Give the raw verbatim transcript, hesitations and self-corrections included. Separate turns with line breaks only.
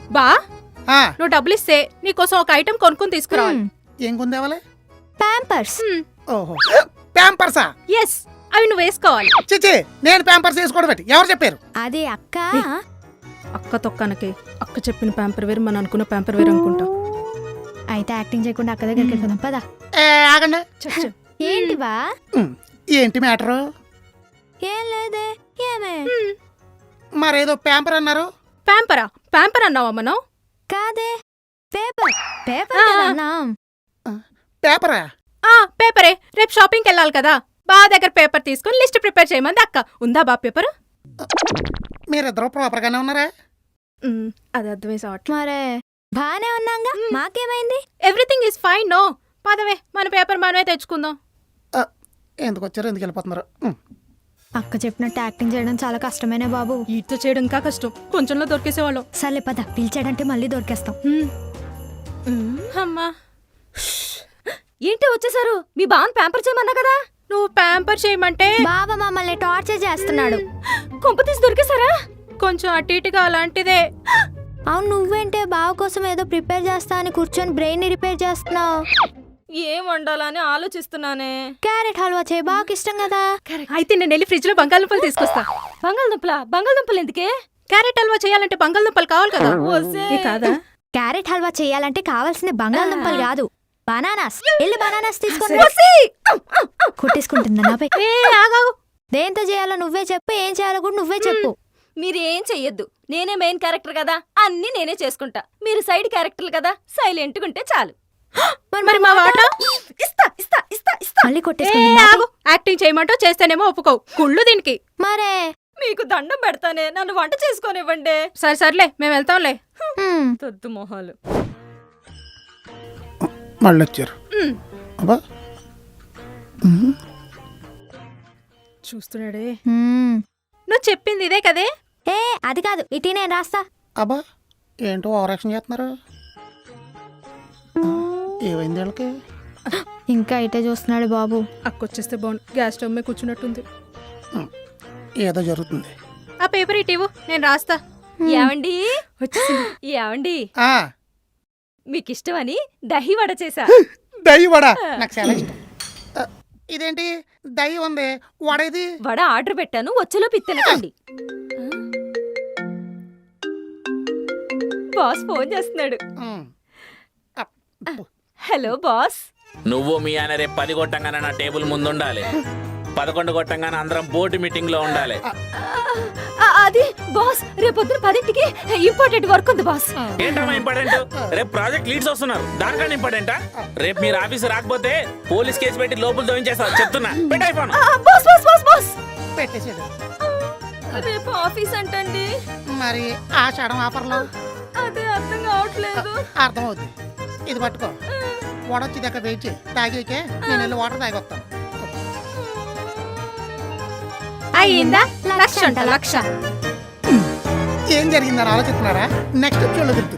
బా
ఆ,
నువ్వు డబ్బులు ఇస్తే నీకోసం ఒక ఐటెం కొనుక్కొని తీసుకురావాలి.
ఏం కొందేవాలి?
ప్యాంపర్స్.
ఓహో ప్యాంపర్సా?
ఎస్, అవి నువ్వు వేసుకోవాలి.
చిచి, నేను ప్యాంపర్స్ వేసుకోవడం పెట్టి ఎవరు చెప్పారు?
అది అక్క.
అక్క తొక్కనకి అక్క చెప్పిన ప్యాంపర్ వేరు, మనం అనుకున్న ప్యాంపర్ వేరు అనుకుంటా.
అయితే యాక్టింగ్ చేయకుండా అక్క దగ్గరికి వెళ్దాం పదా.
ఏ, ఆగండి.
ఏంటి బా?
ఉమ్, ఏంటి మ్యాటరు?
ఏం లేదే. ఏమే?
మరేదో ప్యాంపర్ అన్నారు.
ప్యాంపరా? ప్యాంపర్ అన్నావా మనం?
కాదే, పేపర్. పేపర్
ఆ.
కదన్నా.
పేపరా?
ఆ పేపరే. రేపు షాపింగ్కి వెళ్ళాలి కదా, బా దగ్గర పేపర్ తీసుకుని లిస్ట్ ప్రిపేర్ చేయమంది అక్క. ఉందా బా పేపర్?
మీరిద్దరు ప్రాపర్ గానే ఉన్నారా?
అది అర్థమే సాట్.
మరే బానే ఉన్నాగా, మాకేమైంది?
Everything is fine. నో పదవే, మన పేపర్ మనమే తెచ్చుకుందాం.
ఆ, ఎందుకు వచ్చారు, ఎందుకు వెళ్ళిపోతున్నారు? ఉమ్,
అక్క చెప్పినట్టు యాక్టింగ్ చేయడం చాలా కష్టమేనే బాబు.
ఈతో చేయడం ఇంకా కష్టం, కొంచెంలో దొరికేసేవాళ్ళం.
సర్లే పద, పిలిచాడంటే మళ్ళీ దొరికేస్తాం.
అమ్మా,
ఏంటి వచ్చేసారు? మీ బావన్ ప్యాంపర్ చేయమన్నా కదా.
నువ్వు ప్యాంపర్ చేయమంటే
బాబా మమ్మల్ని టార్చర్ చేస్తున్నాడు.
కొంపతీసి దొరికేసారా?
కొంచెం అటు ఇటుగా అలాంటిదే.
అవును, నువ్వేంటే బావ కోసం ఏదో ప్రిపేర్ చేస్తా అని కూర్చొని బ్రెయిన్ ని రిపేర్ చేస్తున్నావు.
ఏం వండాలని ఆలోచిస్తున్నానే.
క్యారెట్ హల్వా చేయి, బాగా ఇష్టం కదా.
అయితే నేను వెళ్ళి ఫ్రిడ్జ్ లో బంగాళదుంపలు తీసుకొస్తా.
బంగాళదుంపల బంగాళదుంపలు ఎందుకే?
క్యారెట్ హల్వా చేయాలంటే బంగాళదుంపలు కావాలి కదా. ఏ కాదా?
క్యారెట్ హల్వా చేయాలంటే కావాల్సింది బంగాళదుంపలు కాదు, బనానాస్. వెళ్ళి బనానాస్ తీసుకొని కుట్టేసుకుంటుందా నాపై?
ఏ ఆగాగు.
దేంతో చేయాలో నువ్వే చెప్పు, ఏం చేయాలో కూడా నువ్వే చెప్పు.
మీరేం చెయ్యొద్దు, నేనే మెయిన్ క్యారెక్టర్ కదా, అన్ని నేనే చేసుకుంటా. మీరు సైడ్ క్యారెక్టర్లు కదా, సైలెంట్ ఉంటే చాలు.
మరి మా వాట
ఇస్తా ఇస్తా ఇస్తా ఇస్తా.
మళ్ళీ
ఏ
కొట్టేసుకుంటుందా?
ఆగు. యాక్టింగ్ చేయమంటో చేస్తేనేమో ఒప్పుకోవు. కుళ్ళు దీనికి.
మరే
మీకు దండం పెడతానే, నన్ను వంట చేసుకోనివ్వండి.
సరే సర్లే, మేము వెళ్తాంలే.
హ్మ్.
తొద్దు మొహాలు.
మళ్ళీ వచ్చారు.
ఉమ్,
అబ్బా, ఉమ్,
చూస్తున్నాడే.
హ్మ్.
నువ్వు చెప్పింది ఇదే కదే.
ఏ అది కాదు, ఇటీ నేను రాస్తా.
అబ్బా, ఏంటో ఓవర్ యాక్షన్ చేస్తున్నారు. ఏమైంది వీళ్ళకి?
ఇంకా ఇటే చూస్తున్నాడు బాబు.
అక్కొచ్చేస్తే బాగుండు. గ్యాస్ స్టవ్ మీద కూర్చున్నట్టుంది.
ఉమ్, ఏదో జరుగుతుంది.
ఆ పేపర్ ఇటు ఇవ్వు, నేను రాస్తా.
ఏమండి
వచ్చేసింది.
ఏమండి
ఆ,
మీకు ఇష్టమని దహి వడ చేసా.
దయ్యి వడ నాకు చాలా ఇష్టం. ఆ, ఇదేంటి దయ్యి ఉంది, వడ ఇది?
వడ ఆర్డర్ పెట్టాను, వచ్చేలో పిత్తెనకండి. బాస్ ఫోన్ చేస్తున్నాడు.
ఉమ్, అప్, ఉప్పు.
Hello boss.
నువ్వు మీ ఆయన రేపు పది కొట్టంగానే నా టేబుల్ ముందు ఉండాలి. పదకొండు కొట్టంగానే అందరం బోర్డు మీటింగ్ లో ఉండాలి.
ఆ, అది బాస్, రేపొద్దున పదింటికి ఇంపార్టెంట్ వర్క్ ఉంది బాస్.
ఏంటమ్మా ఇంపార్టెంట్? రేపు ప్రాజెక్ట్ లీడ్స్ వస్తున్నారు, దానికన్నా ఇంపార్టెంటా? రేపు మీరు ఆఫీస్ రాకపోతే పోలీస్ కేసు పెట్టి లోపల దోయించేస్తారు, చెప్తున్నా. పెట్టే ఫోన్.
ఆ, బాస్ బాస్ బాస్ బాస్
పెట్టేసాడు.
రేపు ఆఫీస్ అంటండి.
మరి ఆ షడం ఆఫర్లో
అదే అర్థం కావట్లేదు.
అర్థమవుతుంది. ఇది పట్టుకో, వడ వచ్చి దగ్గర వెయిట్ చేయి, తాగేకే నేను వెళ్ళి వాటర్ తాగి వస్తాను.
అయ్యిందా? లక్ష అంట లక్ష.
ఏం జరిగిందని ఆలోచిస్తున్నారా? నెక్స్ట్ ఎపిసోడ్లో తెలుస్తుంది.